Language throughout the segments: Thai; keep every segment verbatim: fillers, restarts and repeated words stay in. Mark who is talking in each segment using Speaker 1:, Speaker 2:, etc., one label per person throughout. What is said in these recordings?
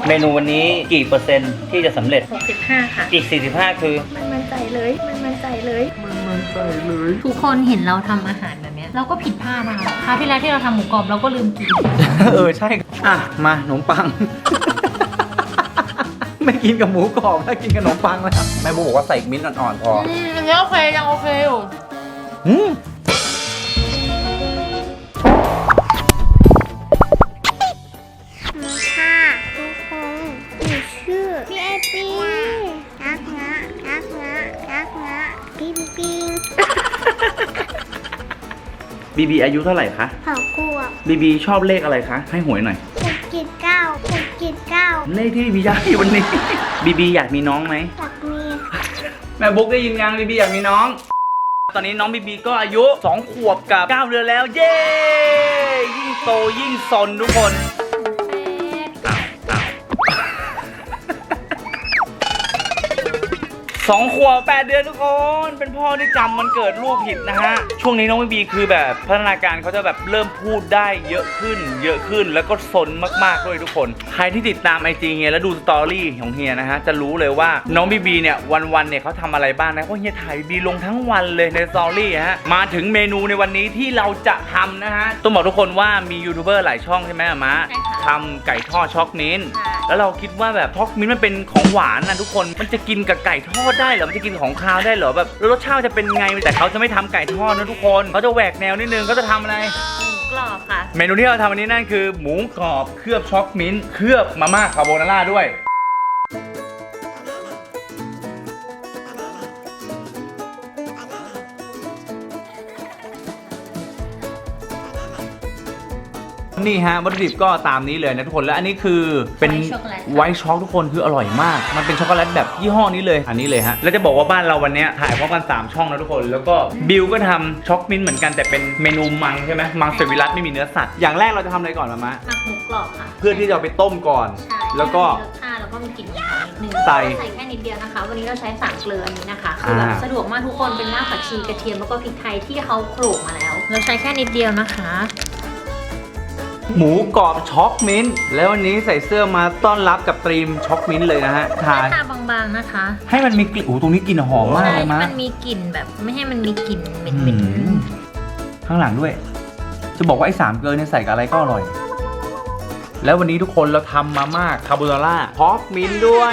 Speaker 1: เมนูวันนี้กี่เปอร์เซ็นต์ที่จะสำเร็จ
Speaker 2: หกสิบห้า ค่ะ
Speaker 1: อีกสี่สิบห้าคือ
Speaker 2: มันมั่นใจเลยมันมั่นใจเลยมันมั่นใจเลย
Speaker 3: ทุกคนเห็นเราทำอาหารแบบนี้เราก็ผิดพลาดนะคะคราวที่แล้วที่เราทำหมูกรอบเราก็ลืมกิน
Speaker 1: เออใช่อ่ะมาขนมปัง ไม่กินกับหมูกรอบแล้วกินกับขนมปังแล้วแม่บูบอกว่าใส่มิ้นท์อ่อนๆพอ
Speaker 3: อืมอันนี้โอเคยังโอเคอยู่
Speaker 1: อืม
Speaker 4: มาค่ะทุกคนหนูชื่อพี่ไอปีรักนะรักนะรักนะปิ๊งปิ๊ง
Speaker 1: บีบีอายุเท่าไหร่คะ
Speaker 4: ขอบคุณ
Speaker 1: บีบีชอบเลขอะไรคะให้หวยหน่อย
Speaker 4: หกเจ็ดเก้าหกเจ็ดเก้า
Speaker 1: เลขที่บีบีอยากได้วันนี้ บีบีอยากมีน้องไหม
Speaker 4: อยากมี
Speaker 1: แม่บุ๊กได้ยินยังบีบีอยากมีน้อง ตอนนี้น้องบีบีก็อายุสองขวบกับเก้าเดือนแล้วเย้ยิ่งโตยิ่งซนทุกคนสองขวบแปดเดือนทุกคนเป็นพ่อที่จำมันเกิดลูกผิดนะฮะช่วงนี้น้องบีบีคือแบบพัฒนาการเขาจะแบบเริ่มพูดได้เยอะขึ้น เยอะขึ้นแล้วก็ซนมากๆด้วยทุกคนใครที่ติดตามไอจีเฮียแล้วดูสตอรี่ของเฮียนะฮะจะรู้เลยว่าน้องบีบีเนี่ยวันๆเนี่ยเขาทำอะไรบ้างนะเพราะเฮียถ่ายบีบีลงทั้งวันเลยในสตอรี่ฮะมาถึงเมนูในวันนี้ที่เราจะทำนะฮะต้องบอกทุกคนว่ามียูทูบเบอร์หลายช่องใช่ไหมอะมะทำไก่ทอดช็อกมิ้นท์แล้วเราคิดว่าแบบช็อกมิ้นท์มันเป็นของหวานนะทุกคนมันจะกินกับไก่ทอดได้เหรอมันจะกินของคาวได้เหรอแบบรสชาติจะเป็นไงแต่เขาจะไม่ทำไก่ทอดนะทุกคนเขาจะแหวกแนวนิดนึงเขาจะทำอะไร
Speaker 3: หมูกรอบค่ะ
Speaker 1: เมนูที่เราทำวันนี้นั่นคือหมูกรอบเคลือบช็อกมิ้นท์เคลือบมาม่าคาโบนาร่าด้วยนี่ฮะวัตถุดิบก็ตามนี้เลยนะทุกคนและอันนี้คือเป็น
Speaker 3: White chocolate
Speaker 1: ไวท์ช็อกทุกคนคืออร่อยมากมันเป็นช็อกโกแลตแบบยี่ห้อนี้เลยอันนี้เลยฮะแล้วจะบอกว่าบ้านเราวันนี้ถ่ายพร้อมกันสามช่องนะทุกคนแล้วก็บิวก็ทำช็อกมิ้นท์เหมือนกันแต่เป็นเมนูมังใช่ไหมมังสวิรัตไม่มีเนื้อสัตว์อย่างแรกเราจะทำอะไรก่อนมามะ
Speaker 3: หมักหมูกรอบค่ะ
Speaker 1: เพื่อที่จะเอาไปต้มก่อน
Speaker 3: ใช่
Speaker 1: แล้วก็
Speaker 3: ให้มีรสชาติแล้วก็มีกลิ่นหอมนิดนึง
Speaker 1: ใส่
Speaker 3: ใส่แค่นิดเดียวนะคะ วันนี้เราใช้สามเกลืออันนี้นะคะคือแบบ
Speaker 1: อ่า
Speaker 3: สะดวกมากทุกคนเป็นรากผักชีกระเทียมแล้วก็พริกไทยที่เขาโขลกมาแล้ว เราใช้แค่นิดเดียวนะคะ
Speaker 1: หมูกรอบช็อกมิ้นท์แล้ววันนี้ใส่เสื้อมาต้อนรับกับตรีมช็อกมิ้นท์เลยนะฮะทา
Speaker 3: แค่ทาบางๆนะคะ
Speaker 1: ให้มันมีกลิ่นโอ้ตรงนี้กลิ่นหอมมาก
Speaker 3: ใช่
Speaker 1: เลย
Speaker 3: ให้
Speaker 1: มะ
Speaker 3: มันมีกลิ่นแบบไม่ให้มันมีกลิ่นเหม็
Speaker 1: อื
Speaker 3: น
Speaker 1: มข้างหลังด้วย จะบอกว่าไอ้สามเกลือเนี่ยใส่กับอะไรก็อร่อย แล้ววันนี้ทุกคนเราทำมาม่าคาโบนาร่าช็อกมิ้นท์ด้วย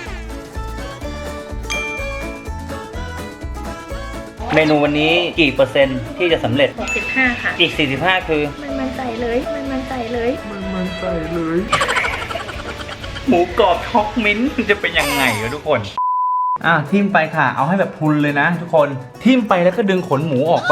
Speaker 1: เมนูวันนี้กี่เปอร์เซ็นต์ที่จะสำเร็จ
Speaker 2: หกสิบห้า ค่ะ
Speaker 1: อีกสี่สิบห้าคือ
Speaker 2: มันมั่นใจเลยมันมั่นใจเลยมันมั่นใจเลย
Speaker 1: หมูกรอบช็อกมิ้นท์จะเป็นยังไงวะทุกคน อ่ะทิ่มไปค่ะ เอาให้แบบพรุนเลยนะทุกคน ทิ่มไปแล้วก็ดึงขนหมูออกไป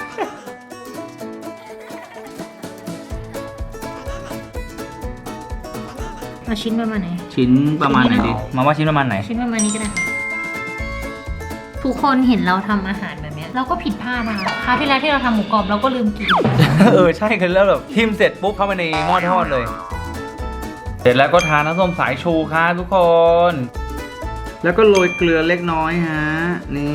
Speaker 3: ๆเอาชิ้นประมาณไหน
Speaker 1: ชิ้นประมาณไหนดี มาว่าชิ้นประมาณไหน
Speaker 3: ชิ้นประมาณนี้ก็ได้ค่ะทุกคนเห็นเราทำอาหารแบบนี้เราก็ผิดพลาดนะคะคราวที่แล้วที่เราทำหมูกรอบเราก็ลืมกิน
Speaker 1: เออใช่คือแล้วแบบทิ่มเสร็จปุ๊บเข้าไปในหม้อทอดเลย เสร็จแล้วก็ทาน้ำส้มสายชูค่ะทุกคน แล้วก็โรยเกลือเล็กน้อยฮะ นี่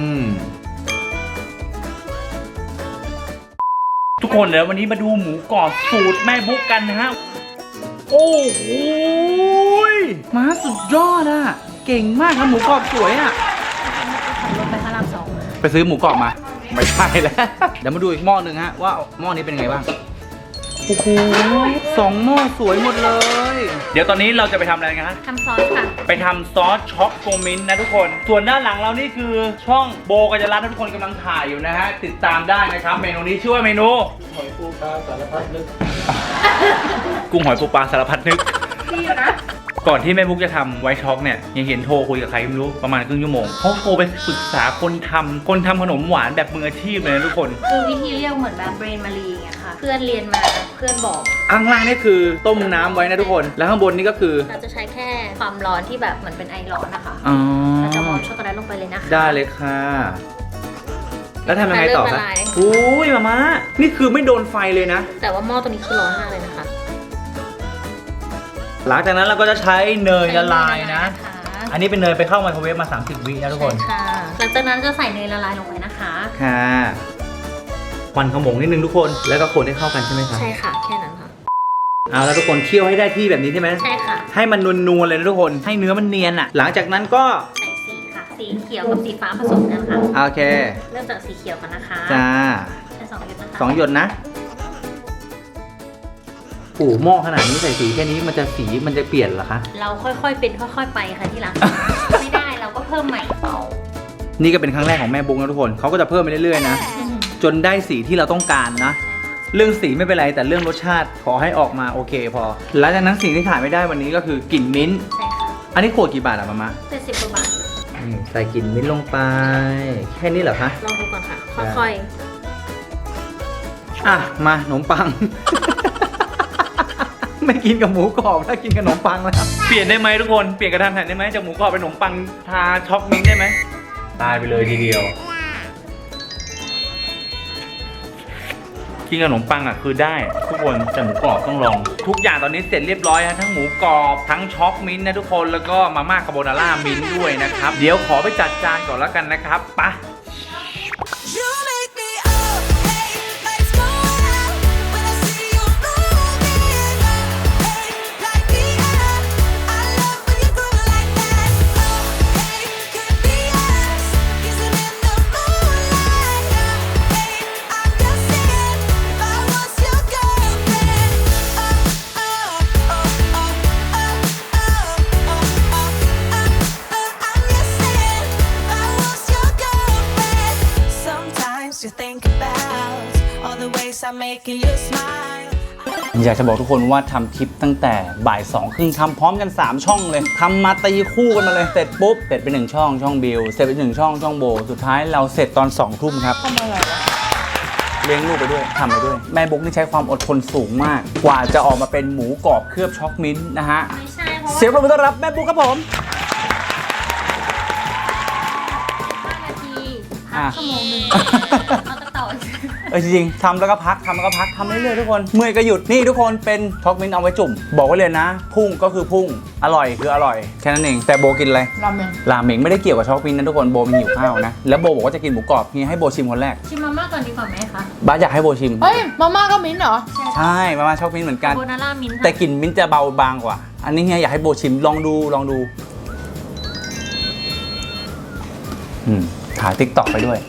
Speaker 1: ทุกคนเดี๋ยววันนี้มาดูหมูกรอบสูตรแม่บุ๊กกันนะฮะ โอ้โหมาสุดยอดอะเก่งมากทำหมูกรอบสวยอะ
Speaker 3: ลงไปพระรามสองมา
Speaker 1: ไปซื้อหมูกรอบมา ไม่ใช่แล้ว เดี๋ยวมาดูอีกหม้อหนึ่งฮะว่าหม้อนี้เป็นไงบ้าง โอ้โหสองหม้อสวยหมดเลย เดี๋ยวตอนนี้เราจะไปทำอะไรกันฮะ
Speaker 3: ทำซอสค่ะ
Speaker 1: ไปทำซอสช็อกโกมิ้นท์นะทุกคน ส่วนด้านหลังเรานี่คือช่องโบกัญญารัตน์นะทุกคนกำลังถ่ายอยู่นะฮะ ติดตามได้นะครับ เมนูนี้ชื่อว่าเมนู
Speaker 5: หอยปูปลาสารพัดนึก
Speaker 1: กุ้งหอยปูปลาสารพัดนึก
Speaker 2: พี่อยู่นะ
Speaker 1: ก่อนที่แม่บุ๊กจะทำไวท์ช็อกเนี่ยยังเห็นโทรคุยกับใครไม่รู้ประมาณครึ่งชั่วโมงเขาโทรไปปรึกษาคนทำคนทำขนมหวานแบบมืออาชีพเลยนะทุกคน
Speaker 3: คือวิธีเรียกเหมือนแบบเบรนมารีอย่างเงี้ยค่ะ เพื่อนเรียนมาเพื่อนบอก
Speaker 1: ข้างล่างนี่คือต้มน้ำไว้นะทุกคน แล้วข้างบนนี่ก็คือ
Speaker 3: เราจะใช้แค่ความร้อนที่แบบเหมือนเป็นไอร้อนนะคะ
Speaker 1: อ๋อ
Speaker 3: เราจะวางช็อกโกแลตลงไปเลยนะคะ
Speaker 1: ได้เลยค่ะ แล้วทำยังไงต่อ
Speaker 3: เริ่ม
Speaker 1: คะ
Speaker 3: ละลาย
Speaker 1: อุ้ยมาม่านี่คือไม่โดนไฟเลยนะ
Speaker 3: แต่ว่าหม้อตัวนี้คือร้อนมากเลยนะคะ
Speaker 1: หลังจากนั้นเราก็จะใช้เนยละลายนะ
Speaker 3: ใช้เยละลายนะคะ
Speaker 1: อันนี้เป็นเนยไปเข้าไมโครเวฟมาสามสิบวินะทุกคน
Speaker 3: ใช่ค่ะ หลังจากนั้นจะใส่เนยละลายลงไปนะคะ
Speaker 1: ค่ะควันขโมงนิดนึงทุกคน แล้วก็คนให้เข้ากันใช่ไหมคะ
Speaker 3: ใช่ค่ะ แค่นั้นค่ะ
Speaker 1: เอาแล้วทุกคนเคี่ยวให้ได้ที่แบบนี้ใช่ไหม
Speaker 3: ใช่ค่ะ
Speaker 1: ให้มันนวลๆเลยนะทุกคนให้เนื้อมันเนียนอ่ะหลังจากนั้นก็
Speaker 3: ใส่สีค่ะ สีเขียวกับสีฟ้าผสมกันค่ะ
Speaker 1: โอเค
Speaker 3: เริ่มจากสีเขียวกันนะคะ
Speaker 1: จ้า
Speaker 3: ใช้สองหยดนะคะ
Speaker 1: สองหยดนะโอ้หม้อขนาดนี้ใส่สีแค่นี้มันจะสีมันจะเปลี่ยนเหรอคะ
Speaker 3: เราค่อยๆเป็นค่อยๆไปค่ะที่รัก ไม่ได้เราก็เพิ่มใหม่เปล่า
Speaker 1: นี่ก็เป็นครั้งแรกของแม่บุ๊กนะทุกคนเขาก็จะเพิ่มไปเรื่อยๆนะจนได้สีที่เราต้องการนะเรื่องสีไม่เป็นไรแต่เรื่องรสชาติขอให้ออกมาโอเคพอหลังจากนั้นสิ่งที่ขาดไม่ได้วันนี้ก็คือกลิ่นมิ้นท์
Speaker 3: ใช่ค่ะ
Speaker 1: อันนี้ขวดกี่บาทอะมามะ
Speaker 3: เจ็ดสิบกว่าบาท
Speaker 1: อืมใส่กลิ่นมิ้นท์ลงไปแค่นี้เหรอคะ
Speaker 3: ลองดูก่อนค่ะ ค่อย
Speaker 1: อ่ะมาขนมปัง ไม่กินกับหมูกรอบถ้ากินกับขนมปังแล้วเปลี่ยนได้ไหมทุกคนเปลี่ยนกระทันหันได้ไหมจากหมูกรอบเป็นขนมปังทาช็อกมิ้นท์ได้ไหมตายไปเลยทีเดียวกินกับขนมปังอ่ะคือได้ทุกคนแต่หมูกรอบต้องลอง ทุกอย่างตอนนี้เสร็จเรียบร้อยฮะทั้งหมูกรอบทั้งช็อกมิ้นท์นะทุกคนแล้วก็มาม่าคาโบนาร่ามิ้นท์ด้วยนะครับเดี๋ยวขอไปจัดจานก่อนแล้วกันนะครับไปะ
Speaker 6: You make me up, hey, lights go out when I see you moving up, hey, light me up. I love when you groove like that. Oh, hey, could be us, kissing in the moonlight. Oh, hey, I'm guessing if I was your girlfriend. Oh, oh, oh, oh, oh, oh, oh, oh, oh, oh, I'm guessing if I was your girlfriend. Sometimes you think about all the ways I'm making you smile.
Speaker 1: อยากจะบอกทุกคนว่าทำคลิปตั้งแต่บ่ายสองครึ่งทำพร้อมกันสามช่องเลยทำมาตีคู่กันมาเลยเสร็จปุ๊บเสร็จไปหนึ่งช่องช่องบิลเสร็จไปหนึ่งช่องช่องโบสุดท้ายเราเสร็จตอนสองทุ่มครับทำอะไรวะเลี้ยงลูกไปด้วยทำไปด้วยแม่บุ๊กนี่ใช้ความอดทนสูงมาก กว่าจะออกมาเป็นหมูกรอบเคลือบช็อกมิ้นท์นะฮะ
Speaker 3: ๆ ไม่ใช่เพราะว่า
Speaker 1: เสียงปรบมือต้อนรับแม่บุ๊กครับผม
Speaker 3: ห้านาที
Speaker 1: อ่ะ
Speaker 3: พักชั่วโมงหนึงเอาต่อต่อ
Speaker 1: เออจริงๆทำแล้วก็พักทำแล้วก็พักทำเรื่อยๆทุกคนเมื่อยก็หยุดนี่ทุกคนเป็นช็อกมิ้นท์เอาไว้จุ่มบอกไว้เลยนะ พุ่งก็คือพุ่งอร่อยคืออร่อยแค่นั้นเองแต่โบกินอะไร
Speaker 2: ราเมง
Speaker 1: ราเมงไม่ได้เกี่ยวกับช็อกมิ้นท์นะทุกคนโบมันหิวข้าวนะแล้วโบบอกว่าจะกินหมูกรอบนี่ให้โบชิมคนแรก
Speaker 3: ชิมมาม่าก่อนดีกว่าไหมคะ
Speaker 1: บ้าสอยากให้โบชิม
Speaker 2: เฮ้ย มาม่าก็มิ้นท์เหรอ
Speaker 1: ใช่มามาช็อกมิ้นท์เหมือนกัน
Speaker 3: โบนาร่ามิ้นท์ค่ะ
Speaker 1: แต่กลิ่นมิ้นท์จะเบาบางกว่า อันนี้เฮียอยากให้โบชิมลองดูลองดูอืมถ่ายติ๊กต็อกไปด้วย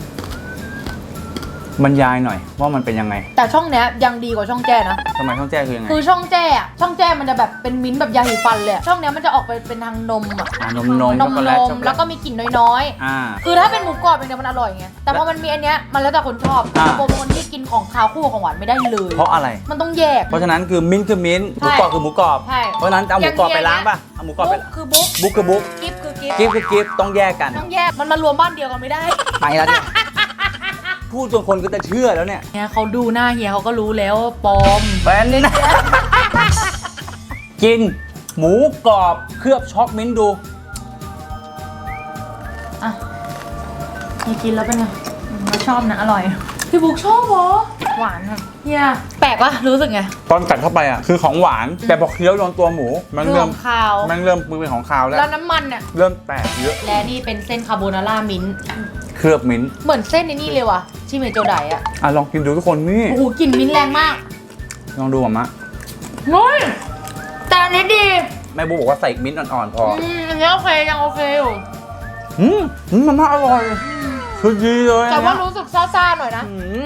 Speaker 1: บรรยายหน่อยว่ามันเป็นยังไง
Speaker 2: แต่ช่องเนี้ยยังดีกว่าช่องแจ้นะ
Speaker 1: ทำไมช่องแจ้คือยังไง
Speaker 2: คือช่องแจ้อะช่องแจ้มันจะแบบเป็นมิ้นท์แบบยาสีฟันเลยอะช่องเนี้ยมันจะออกไปเป็นทางนมอะ
Speaker 1: อ่านมนม
Speaker 2: น
Speaker 1: ช็อก
Speaker 2: ม
Speaker 1: โก
Speaker 2: น
Speaker 1: แลต
Speaker 2: ม
Speaker 1: ช็อกโกแล
Speaker 2: แล้ว
Speaker 1: ต
Speaker 2: ก็มีกลิ่นน้อย
Speaker 1: อ่า
Speaker 2: ๆ คือถ้าเป็นหมูกรอบเป็นเดียวมันอร่อยไง แต่พอมันมีอันเนี้ยมันแล้วแต่คนชอบ
Speaker 1: อ่า
Speaker 2: แต่โบเป็นคนที่กินของคาวคู่กับของหวานไม่ได้เลย
Speaker 1: เพราะอะไร
Speaker 2: มันต้องแยก
Speaker 1: เพราะฉะนั้นคือมิ้นท์คือมิ้นท์หมูกรอบคือหมูกรอบ
Speaker 2: ใช่
Speaker 1: เพราะฉะนั้นเอาหมูกรอบไปล้างป่ะเอาหมูกรอบไป
Speaker 2: บุ๊กคือบุ๊ก
Speaker 1: บุ๊กคือบุ๊ก
Speaker 2: กิฟคือกิฟ
Speaker 1: กิฟคือกิฟต้องแยกกัน
Speaker 2: ต้องแยก มันมารวมบ้านเดียวกันไม่ได้
Speaker 1: ไปแล้วเนี่ยพูดจนคนก็จะเชื่อแล้วเนี่ย
Speaker 2: เนี่ยเขาดูหน้าเฮียเขาก็รู้แล้วว่าปลอม
Speaker 1: เป็นกินหมูกรอบเคลือบช็อกมิ้นท์ดู
Speaker 2: อ่ะเฮียกินแล้วเป็นไงอืมเราชอบนะ อร่อย พี่บุ๊กชอบเหรอ หวานครับเฮียแปลกปะรู้สึกไง
Speaker 1: ตอนกัดเข้าไปอ่ะคือของหวาน แต่พอเคี้ยวโดนตัวหมูมัน
Speaker 2: เรื่
Speaker 1: เริ่
Speaker 2: อ
Speaker 1: ม
Speaker 2: งคาว
Speaker 1: มันเริ่มมือเป็นของคาวแล้ว
Speaker 2: แล้วน้ำมันเนี่ย
Speaker 1: เริ่มแตกเยอะ
Speaker 2: และนี่เป็นเส้นคาโบนาร่ามิ้นท์
Speaker 1: เคลือบมิ้นท์
Speaker 2: เหมือนเส้นในนี่เลยว่ะชิเมโจไดอะ
Speaker 1: อ่ะลองกินดูทุกคนนี่
Speaker 2: โอ้โหกลิ่นมิ้นท์แรงมาก
Speaker 1: ลองดูอ่ะมะ
Speaker 2: เฮ้ยแต่อันนี้ดี
Speaker 1: แม่บุ๊กบอกว่าใส่มิ้นท์อ่อนๆพอ
Speaker 2: อืมอันนี้โอเคยังโอเคอยู่
Speaker 1: อืมอืมมันน่าอร่อยคือดีเลย
Speaker 2: แต่ว่า
Speaker 1: อันเนี้ย
Speaker 2: รู้สึกซ่าๆหน่อยนะ
Speaker 1: อืม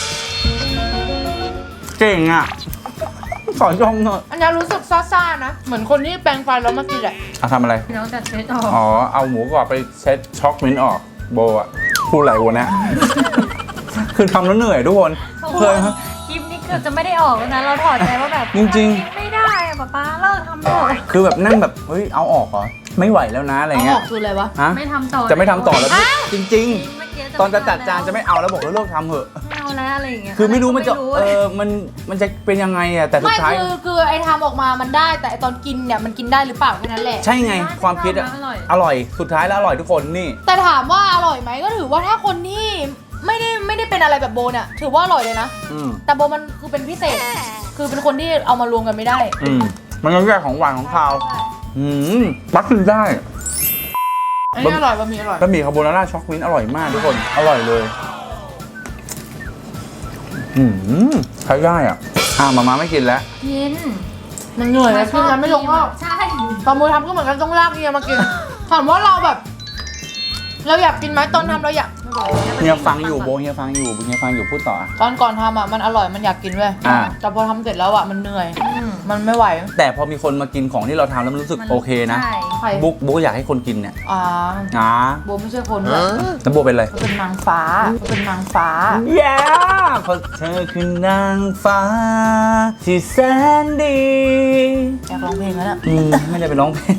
Speaker 1: เก่งอ่ะสอนชมหน่อย
Speaker 2: อันนี้รู้สึกซ่าๆนะ เหมือนคนที่แปรงฟันแล้วมากินอะ
Speaker 1: อ่ะทำอะไร
Speaker 3: พี่น้องจัดเซตออก
Speaker 1: อ๋อ เอาหมูกรอบไปเช็ดช็อกมิ้นท์ออก โบอ่ะพูดอะไรวะเนี่ย คือทำแล้วเหนื่อยทุกคนเคย
Speaker 3: คลิปนี้เกือบจะไม่ได้ออกแล้วนะ เราถอดใจว่าแบบ
Speaker 1: จริง
Speaker 3: ไม่ได้อะป๊าป๊าเลิกทำเถอะ
Speaker 1: คือแบบนั่งแบบ เฮ้ย เอาออกเหรอ ไม่ไหวแล้วนะอะไร
Speaker 2: เอาอ
Speaker 1: เงี้
Speaker 2: อย กคืออะไรวะ
Speaker 1: ฮะ
Speaker 3: ไม่ทำต่อ
Speaker 1: จะไม่ทำต่อแล้วจริง
Speaker 3: เมื่กี้
Speaker 1: ๆ ตอนจะจัดจานจะไม่เอาแล้วบอกว่าเลิกทำเถอะ
Speaker 3: ไม่เอาแล้วอะไรอย่างเงี้ย
Speaker 1: คือไม่รู้มันจะ
Speaker 3: ไรู้
Speaker 1: เออ มัน มันจะเป็นยังไงอ่ะ แต่สุด
Speaker 2: ไม่
Speaker 1: ท้าย
Speaker 2: คือคือไอ้ทำออกมามันได้ แต่ไอ้ตอนกินเนี่ยมันกินได้หรือเปล่าแค่นั้นแหละ
Speaker 1: ใช่ไง ความคิดอ่ะ
Speaker 3: อร่อย
Speaker 1: อร่อย สุดท้ายแล้วอร่อยทุกคน นี่
Speaker 2: แต่ถามว่าอร่อยไหมก็ถือว่าถ้าคนที่ไม่ได้ไม่ได้เป็นอะไรแบบโบเนี่ยถือว่าอร่อยเลยนะ
Speaker 1: อืม
Speaker 2: แต่โบมันคือเป็นพิเศษ คือเป็นคนที่เอามารวมกันไม่ได้
Speaker 1: อืม มันก็แยกของหวานของคาว อืมปักขึ้นได้
Speaker 2: อันนี้อร่อยบะหมี่อร่อย
Speaker 1: บะหมี่คาโบนาร่าช็อกมิ้นท์อร่อยมากทุกคน อร่อยเลย อืมใช้ได้อ่ะอ้าวมาม่าไม่กินแล้ว
Speaker 3: กิน
Speaker 2: มันเหนื่อยแล้วกินกันไม่ลงก็
Speaker 3: ใช่
Speaker 2: ตอนมือทำก็เหมือนกันต้องลากเฮียมากิน ถามว่าเราแบบ เราอยากกินไหมตอนทำเราอยาก
Speaker 1: เฮียฟังอยู่โบเฮียฟังอยู่โบเฮียฟังอยู่พูดต่อ
Speaker 2: ตอนก่อนทำอ่ะมันอร่อยมันอยากกินเว้ย
Speaker 1: อ่า
Speaker 2: แต่พอทำเสร็จแล้วอ่ะมันเหนื่อย มันไม่ไหว
Speaker 1: แต่พอมีคนมากินของที่เราทำแล้วมันรู้สึกโอเคนะ
Speaker 3: ใช่
Speaker 2: ใคร
Speaker 1: บุ๊กบุ๊กอยากให้คนกินเนี่ย
Speaker 2: อ่า
Speaker 1: อ่า
Speaker 2: โบไม่ใช่คนด้วย
Speaker 1: แล้วโบเป็นอะไร
Speaker 2: เขาเป็นนางฟ้าเขาเป็นนางฟ้า
Speaker 1: แย่เพราะเธอคือนางฟ้า ที่แสนดี
Speaker 2: อยากร้องเพลงแล้วเนี่ย
Speaker 1: อืมไม่ได้ไปร้องเพลง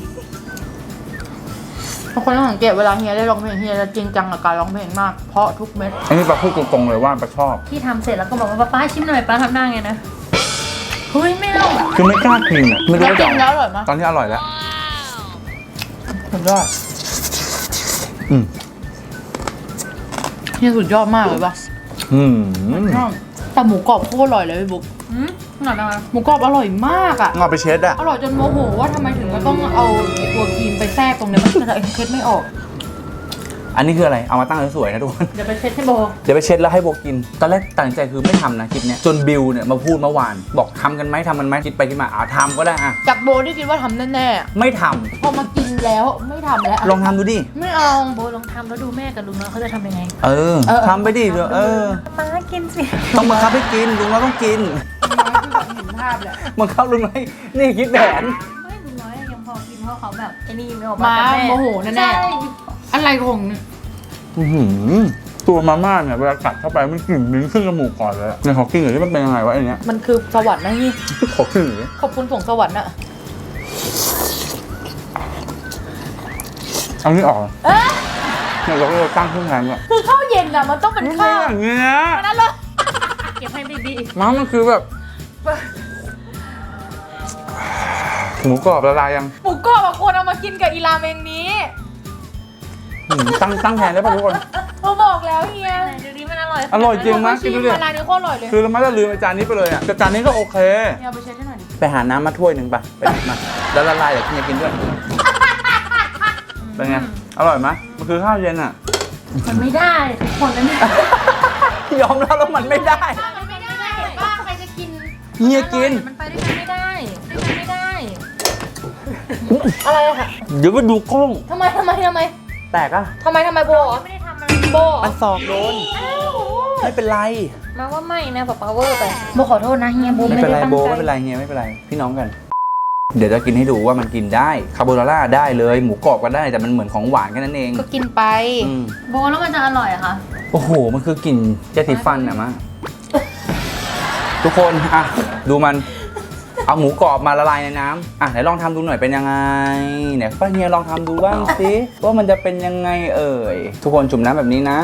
Speaker 2: ทุกคนต้องสังเกตเวลาเฮียได้ร้องเพลงเฮียจะจริงจังกับการร้องเพลงมาก เพราะทุกเม็ด
Speaker 1: อันนี้ปาพูดตรงๆเลยว่าปาชอบ
Speaker 3: ที่ทำเสร็จแล้วก็บอกว่าป้าป้าชิมหน่อยป้าทำได้ไงนะเฮ้ยไม่เอา
Speaker 1: คือไม่กล้ากินอ่ะไม่รู้
Speaker 2: แล้ว
Speaker 1: ว่า
Speaker 2: กิ
Speaker 1: จะ
Speaker 2: นแล้วอร่อยไหม
Speaker 1: ตอนนี้อร่อยแล้ว
Speaker 2: สุดยอด
Speaker 1: อืม
Speaker 2: เฮียสุดยอดมากเลยปะ
Speaker 1: อืม
Speaker 2: แต่หมูกรอบโคตรอร่อยเลยพี่บุ๊ก
Speaker 3: อืมหน่อยนะคะ
Speaker 2: หมูกรอบอร่อยมากอ่ะ
Speaker 1: เอาไปเช็ดอ่ะ
Speaker 2: อร่อยจนโมโหว่าทำไมถึงมันต้องเอาไอ้ตัวครีมไปแทรกตรงเนี้ยมันจะเช็ดไม่ออก
Speaker 1: อันนี้คืออะไรเอามาตั้งสวยๆนะทุกคน
Speaker 2: เดี๋ยวไปเช็ดให้โบ
Speaker 1: เดี๋ยวไปเช็ดแล้วให้โบกิน ตอนแรกตัดสินใจคือไม่ทำนะคลิปเนี้ยจนบิวเนี่ยมาพูดเมื่อวาน บอกทำกันไหมทำกันไหมคิดไปคิดมาอ่าทำก็ได้อ่ะ
Speaker 2: จากโบที่คิดว่าทำแน่
Speaker 1: ไม่ทำ
Speaker 2: ๆพอมากินแล้วไม่ทำแล้ว
Speaker 1: ลองทำดูดิ
Speaker 2: ไม่เอา
Speaker 3: โบลองทำแล้วดูแม่กับลุงน้อยเขาจะทำยังไง
Speaker 1: เออ
Speaker 2: เออ
Speaker 1: ทำไปดิเดี๋ยวเออ
Speaker 3: ป้ากินสิ
Speaker 1: ต้องบังคับให้กินลุงเราต้องกิน
Speaker 2: เห็นภาพแหละ
Speaker 1: บังคับลุงไม่นี่คิดแผน
Speaker 3: ไม่ลุงน้อยยังพอกินเพราะเขาแบบไอ้นี่ไม่ออก
Speaker 2: มา
Speaker 3: แต่แ
Speaker 2: โมโหแน่ๆ
Speaker 3: ใช่
Speaker 2: อะไรของ
Speaker 1: อื้อหือตัวมาม่าเนี่ยเวลากัดเข้าไปมันกลิ่นมิ้นขึ้นจมูกก่อนเลยอะเนี่ยขอกินหน่อยที่มันเป็นยังไงวะไอเนี้ย
Speaker 2: มันคือสวรรค์นะนี่
Speaker 1: ขอกินหน่อยดิ
Speaker 2: ขอบคุณส่งสวรรค์อะ
Speaker 1: เอานี่ออก
Speaker 2: เอ๊ะ
Speaker 1: เนี่ยเราก็เลยตั้งเครื่องแทนก่อน
Speaker 2: คือข้าวเย็นอะมันต้องเป็น
Speaker 1: มัน
Speaker 2: ข้าว
Speaker 1: อย่างเงี้ย
Speaker 2: นั่นเลย
Speaker 3: เก็บให้บีบี
Speaker 1: ม้ามันคือแบบหมูกรอบละลายยัง
Speaker 2: หมูกรอบอะควรเอามากินกับอีราเมงนี้
Speaker 1: หืมตั้งตั้งแทนได้ป่ะทุกคน
Speaker 2: เขาบอกแล้วเฮีย
Speaker 3: ไหนดูดิมันอร่อย
Speaker 1: อร่อยจริงมั้ย
Speaker 2: ชิ
Speaker 1: กิน
Speaker 2: ม
Speaker 1: ดูดิ
Speaker 2: มาร้านนี้โคตรอร่อยเลย
Speaker 1: คือเราไม่ได้ลืมไอ้จานนี้ไปเลยอ่ะแต่จานนี้ก็โอเค
Speaker 2: เฮียเอาไปเช็ดให้หน่อยดิ
Speaker 1: ไปหาน้ำมาถ้วยหนึ่งป่ะไปหยิบมาแล้วละลายเดี๋ยวพี่จะกินด้วยเป็นไงอร่อยไหมมันคือข้าวเย็นอ่ะ
Speaker 3: มันไม่ได้ทุกคนนะเนี่ย
Speaker 1: ยอมรับแล้วมันไม่ได้
Speaker 3: มันไม่ได้ป้าใครจะกิน
Speaker 1: เฮียกิน
Speaker 3: มันไปด้วยกันไม่ได้ด้วยกันไม่ได้
Speaker 2: อะไรอะค่ะ
Speaker 1: เดี๋ยวไปดูกล้อง
Speaker 2: ทำไมทำไมทำไม
Speaker 1: แตกอ่ะ
Speaker 2: ทำไมทำไมโบเหรอ
Speaker 3: ไม่ได้ทำอะไร
Speaker 2: โบเหรอ
Speaker 1: มันสอกโดนไม่เป็นไร
Speaker 3: มาว่าไม่นะป๊าป๊าเวอร์ไปโบขอโทษนะเฮียโบ
Speaker 1: ไม่
Speaker 3: ไม่
Speaker 1: เป็น
Speaker 3: ได้
Speaker 1: ไร
Speaker 3: ตั้ง
Speaker 1: โบ
Speaker 3: ใจ
Speaker 1: ไม่เป็นไรเฮียไม่เป็นไรพี่น้องกัน เดี๋ยวจะกินให้ดูว่ามันกินได้คาโบนาร่าได้เลยหมูกรอบก็ได้แต่มันเหมือนของหวานแค่นั้นเอง
Speaker 2: ก็กินไป
Speaker 1: อืม
Speaker 3: โบแล้วมันจะอร่อยเหรอะคะ
Speaker 1: โอ้โหมันคือกลิ่นยาสีฟันอะมาทุกคนอ่ะดูมันเอาหมูกรอบมาละลายในน้ำอ่ะไหนลองทำดูหน่อยเป็นยังไงเนี่ยป้าเฮียลองทำดูบ้างสิว่ามันจะเป็นยังไงเอ่ยทุกคนจุ่มน้ำแบบนี้นะ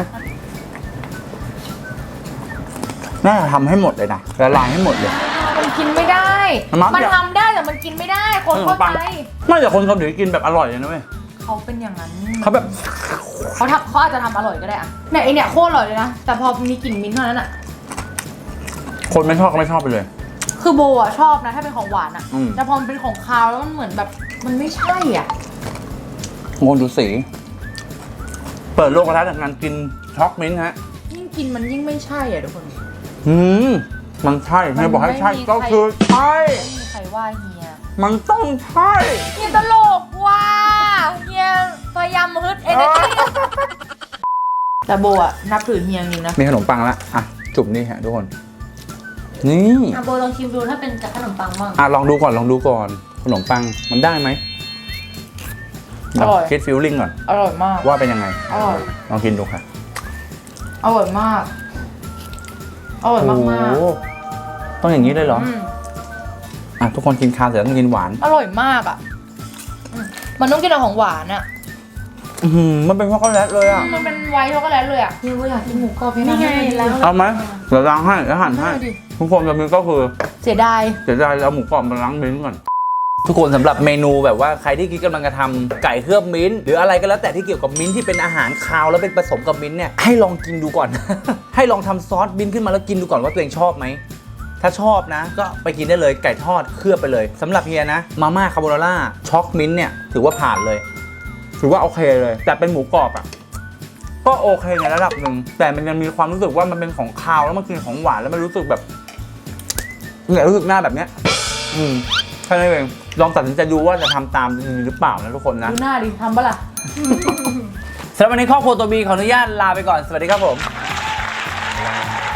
Speaker 1: น่าจะทำให้หมดเลยนะละลายให้หมดเลย
Speaker 2: มันกินไม่ได้
Speaker 1: มัก
Speaker 2: มัน
Speaker 1: อยาก
Speaker 2: ทำได้แต่มันกินไม่ได้ คนเข้าใจ
Speaker 1: ไม่แต่คนเกาหลีกินแบบอร่อยเลยนะเว้ย
Speaker 2: เขาเป็นอย่างนั้น
Speaker 1: เขาแบบ
Speaker 2: เขาทำเขาอาจจะทำอร่อยก็ได้อะเนี่ยไอเนี่ยโคตรอร่อยเลยนะ แต่พอมีกลิ่นมิ้นท์เท่านั้นอะ
Speaker 1: คนไม่ชอบก็ไม่ชอบไปเลย
Speaker 2: คือโบอะชอบนะถ้าเป็นของหวานอะ
Speaker 1: อืม
Speaker 2: แต่พอมันเป็นของคาวแล้วมันเหมือนแบบมันไม่ใช่อ่ะ
Speaker 1: งงดูสี เปิดโลกกระทัดจากการกินช็อกมิ้นท์ฮะ
Speaker 2: ยิ่งกินมันยิ่งไม่ใช่อ่ะทุกคน
Speaker 1: อืมมันใช่เฮียบอกให้ใช่
Speaker 2: มันไม่มี
Speaker 1: ก็
Speaker 2: ใคร
Speaker 1: คือใช่
Speaker 2: ไม่มีใครว่าเฮีย
Speaker 1: มันต้องใช่
Speaker 2: เฮียตลกว่ะเฮียพยายามฮึดเอเนอร์จีแต่โบอะนับถือเฮียจริงนะ
Speaker 1: มีขนมปังละอ่ะ จุ่มนี่ฮะทุกคน นี่
Speaker 3: อ่ะโบลองชิมดูถ้าเป็นกับขนมปังบ้าง
Speaker 1: อ่ะลองดูก่อนลองดูก่อน ขนมปังมันได้ไหม
Speaker 2: อร่อย
Speaker 1: คิดฟิลลิ่งก่อน
Speaker 2: อร่อยมาก
Speaker 1: ว่าเป็นยังไง
Speaker 2: อร่อย
Speaker 1: ลองกินดูค่ะ
Speaker 2: อร่อยมาก อร่อยมากมาก
Speaker 1: โอ้โหต้องอย่างนี้เลยเหรอ
Speaker 2: ม
Speaker 1: อ่ะทุกคนกินคาวเสร็จแล้วต้องกินหวาน
Speaker 2: อร่อยมากอ่ะอืมมันต้องกินกับของหวานอ่ะ
Speaker 1: อื้อหือมันเป็นช็อกโกแลตเลยอ่ะ
Speaker 2: มันเป็นไวท์ช็อกโกแลตเลยอ่ะเฮียโบอยากกินหมูกรอบ
Speaker 3: นี่ไงแล้ว
Speaker 1: เอาไหมเดี๋ยวล้างให้แล้วหั่นให้
Speaker 2: ได้ดิ
Speaker 1: ทุกคนจะมีก็คือ
Speaker 2: เสียดาย
Speaker 1: เดี๋ยวจะเอาหมูกรอบมาล้างมิ้นท์ก่อน ทุกคนสำหรับเมนูแบบว่าใครที่คิดกำลังจะทำไก่เคลือบมิ้นท์หรืออะไรก็แล้วแต่ที่เกี่ยวกับมิ้นท์ที่เป็นอาหารคาวแล้วเป็นผสมกับมิ้นท์เนี่ยให้ลองกินดูก่อน ให้ลองทำซอสมิ้นท์ขึ้นมาแล้วกินดูก่อนว่าตัวเองชอบไหมถ้าชอบนะ ก็ไปกินได้เลยไก่ทอดเคลือบไปเลยสำหรับเฮียนะมาม่าคาโบนาร่าช็อกมิ้นท์เนี่ยถือว่าผ่านเลย ถือว่าโอเคเลย แต่เป็นหมูกรอบอ่ะก็โอเคในระดับหนึ่งแต่มันยังมีความรู้สึกว่ามันเป็นของคาวแล้วมันกินของหวานแล้วมันรู้สึกแบบเนี่ยรู้สึกหน้าแบบเนี้ยอืมแค่นั้นเองลองตัดสินใจดูว่าจะทำตามหรือเปล่านะทุกคนนะ
Speaker 2: ดูหน้าดิทำปะล่ะ
Speaker 1: สำหรับวันนี้ครอบครัวตัวบีขออนุญาตลาไปก่อนสวัสดีครับผม